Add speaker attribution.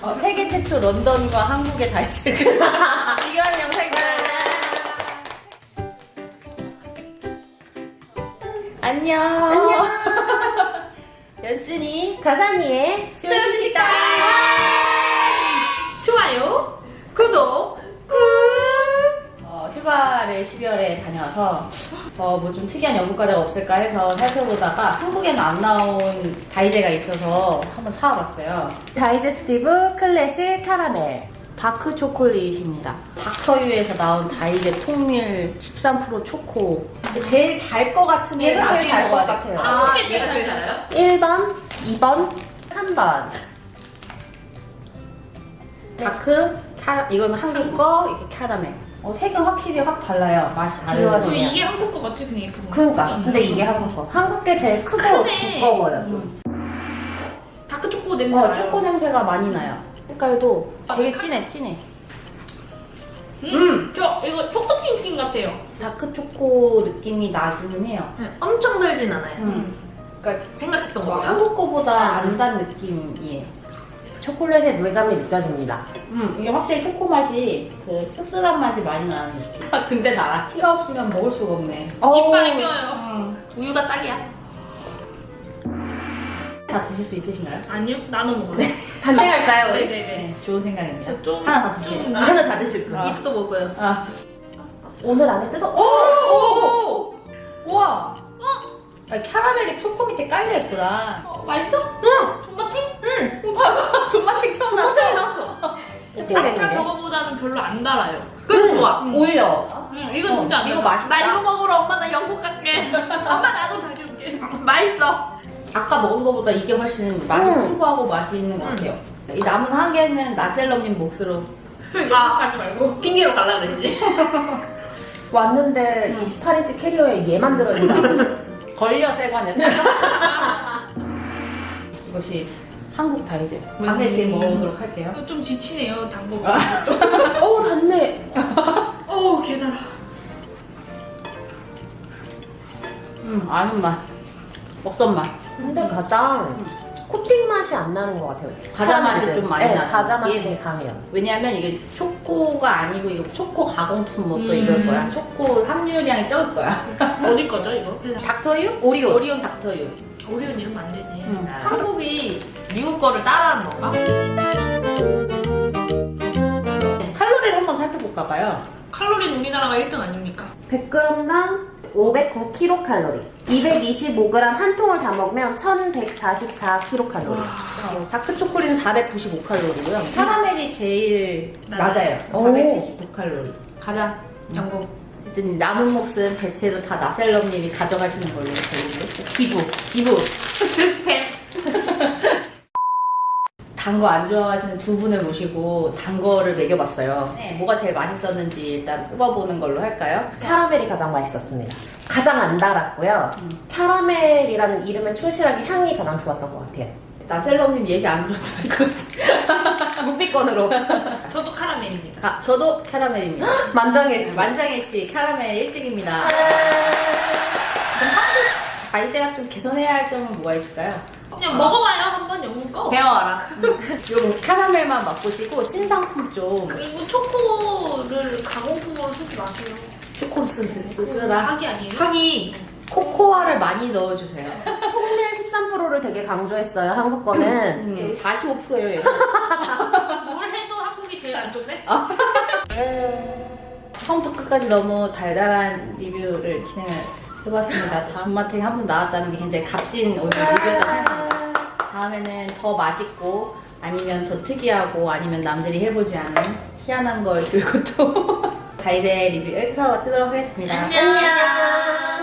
Speaker 1: 세계 최초 런던과 한국의 다이제를 비교하는 영상입니다. 안녕. 연순이
Speaker 2: 가산이의
Speaker 1: 수요식당.
Speaker 3: 좋아요.
Speaker 2: 구독 꾹.
Speaker 1: 휴가를 12월에 다녀와서 뭐 좀 특이한 연구 과자가 없을까 해서 살펴보다가 한국에는 안 나온 다이제가 있어서 한번 사와봤어요.
Speaker 2: 다이제스티브 클래식 카라멜.
Speaker 1: 다크 초콜릿입니다. 닥터유에서 나온 다이제 통밀 13% 초코. 제일 달 것 같은 애를
Speaker 2: 얘가 제일
Speaker 1: 나중에
Speaker 2: 달것
Speaker 1: 먹어야
Speaker 2: 같아요.
Speaker 1: 돼요.
Speaker 3: 한국에 제가 제일 잘해요?
Speaker 2: 1번, 2번, 3번.
Speaker 1: 다크, 이거는 한국 거, 이게 캐러멜. 색은 확실히 확 달라요. 맛이
Speaker 2: 비교가
Speaker 1: 다르요.
Speaker 2: 돼요.
Speaker 3: 이게 한국 거 같지 그냥 이렇게
Speaker 2: 그러니까. 근데 이게 한국 거. 한국 게 제일 크고
Speaker 3: 크네.
Speaker 2: 두꺼워요. 좀.
Speaker 3: 다크 초코 냄새 나요.
Speaker 1: 초코 냄새가 많이 나요. 색깔도 되게
Speaker 3: 바삭한?
Speaker 1: 진해.
Speaker 3: 저 이거 초코 튀김 같아요.
Speaker 1: 다크 초코 느낌이 나기는 해요.
Speaker 4: 엄청 달진 않아요.
Speaker 1: 그러니까
Speaker 4: 생각했던
Speaker 1: 뭐
Speaker 4: 거예요.
Speaker 1: 한국 거보다 안 단 느낌이에요.
Speaker 2: 초콜릿의 물감이 느껴집니다.
Speaker 1: 이게 확실히 초코 맛이 그 씁쓸한 맛이 많이 나는 느낌. 근데 나 티가 없으면 먹을 수가 없네.
Speaker 3: 이빨에 껴요.
Speaker 4: 우유가 딱이야.
Speaker 1: 다 드실 수 있으신가요?
Speaker 3: 아니요, 나눠 먹어요.
Speaker 1: 반대할까요, 우리?
Speaker 3: 네네네.
Speaker 1: 좋은 생각입니다.
Speaker 3: 저 좀-
Speaker 1: 하나 다 드세요.
Speaker 3: 좀-
Speaker 1: 하나 다 드실 거야.
Speaker 4: 이도 먹어요.
Speaker 1: 아.
Speaker 2: 오늘 안에 뜯어.
Speaker 1: 오! 우와! 아, 캐러멜이 초코 밑에 깔려있구나.
Speaker 3: 맛있어? 응. 존맛탱?
Speaker 1: 존맛탱 처음 나왔어.
Speaker 3: 아까 저거보다는 별로 안 달아요.
Speaker 4: 그래서 좋아.
Speaker 1: 오히려.
Speaker 3: 이건 진짜 안
Speaker 1: 이거
Speaker 3: 달아.
Speaker 1: 맛있다.
Speaker 4: 나 이거 먹으러 엄마 나 영국 갈게.
Speaker 3: 엄마 나도 다녀올게.
Speaker 4: 맛있어.
Speaker 1: 아까 먹은 거보다 이게 훨씬 맛이
Speaker 2: 음.
Speaker 1: 풍부하고 맛이 있는 것 같아요. 이 남은 한 개는 나셀럽님 몫으로.
Speaker 3: 아, 가지 말고.
Speaker 4: 핑계로 갈라 그랬지.
Speaker 2: 왔는데 28인치 캐리어에 얘만 들어있다.
Speaker 1: 걸려 세관에. 이것이 한국 다이제. 한 개씩 먹어보도록 할게요.
Speaker 3: 이거 좀 지치네요, 당근.
Speaker 2: 어우, 닿네.
Speaker 3: 어우, 개달아.
Speaker 1: 아는 맛. 먹던 맛.
Speaker 2: 근데 가장 코팅 맛이 안 나는 것 같아요.
Speaker 1: 과자 맛이
Speaker 2: 사람들은.
Speaker 1: 좀 많이
Speaker 2: 네,
Speaker 1: 나요.
Speaker 2: 과자 맛이
Speaker 1: 이게-
Speaker 2: 되게 강해요.
Speaker 1: 왜냐면 이게 초코가 아니고 이거 초코 가공품 뭐 또 이걸 거야. 초코 함유량이 적을 거야.
Speaker 3: 어디 거죠, 이거?
Speaker 1: 닥터유? 오리온 닥터유.
Speaker 3: 오리온 이름 안 되네.
Speaker 4: 한국이 미국 거를 따라하는 건가?
Speaker 1: 칼로리를 한번 살펴볼까 봐요.
Speaker 3: 칼로리는 우리나라가 1등 아닙니까?
Speaker 2: 100g당 509kcal. 225g 한 통을 다 먹으면 1144kcal.
Speaker 1: 다크 초콜릿은 495칼로리고요. 카라멜이 제일 낮아요.
Speaker 2: 오.
Speaker 1: 479칼로리.
Speaker 4: 가자. 영국.
Speaker 1: 어쨌든 남은 몫은 대체로 다 나셀럽님이 가져가시는 걸로 저희로. 기부.
Speaker 4: 득템.
Speaker 1: 단 거 안 좋아하시는 두 분을 모시고 단 거를 먹여봤어요. 네, 뭐가 제일 맛있었는지 일단 꼽아보는 걸로 할까요?
Speaker 2: 캐러멜이 가장 맛있었습니다. 가장 안 달았고요. 캐러멜이라는 이름에 충실하게 향이 가장 좋았던 것 같아요.
Speaker 1: 나셀럽님 얘기 안 들었던 것 같아요. 묵비권으로.
Speaker 3: 저도 카라멜입니다.
Speaker 1: 저도 캐러멜입니다.
Speaker 2: 만장일치.
Speaker 1: 만장일치 캐러멜 1등입니다. 그럼 한국 다이제가 좀 개선해야 할 점은 뭐가 있을까요?
Speaker 3: 그냥 먹어봐요, 한번 영국 거.
Speaker 4: 배워와라.
Speaker 1: 요 캐러멜만 맛보시고 신상품 좀
Speaker 3: 그리고 초코를 가공품으로 쓰지 마세요.
Speaker 1: 초코로 쓰라.
Speaker 3: 사기 아니에요?
Speaker 4: 사기.
Speaker 1: 코코아를 많이 넣어주세요.
Speaker 2: 통밀 13%를 되게 강조했어요. 한국 거는.
Speaker 1: 여기 45%예요.
Speaker 3: 뭘 해도 한국이 제일 안 좋네?
Speaker 1: 처음부터 끝까지 너무 달달한 리뷰를 진행을 해봤습니다. 존맛탱 한 번 나왔다는 게 굉장히 값진 오늘 리뷰였다고 생각합니다. 다음에는 더 맛있고 아니면 더 특이하고 아니면 남들이 해보지 않은 희한한 걸 들고 또 다이제 리뷰 여기서 마치도록 하겠습니다.
Speaker 3: 안녕.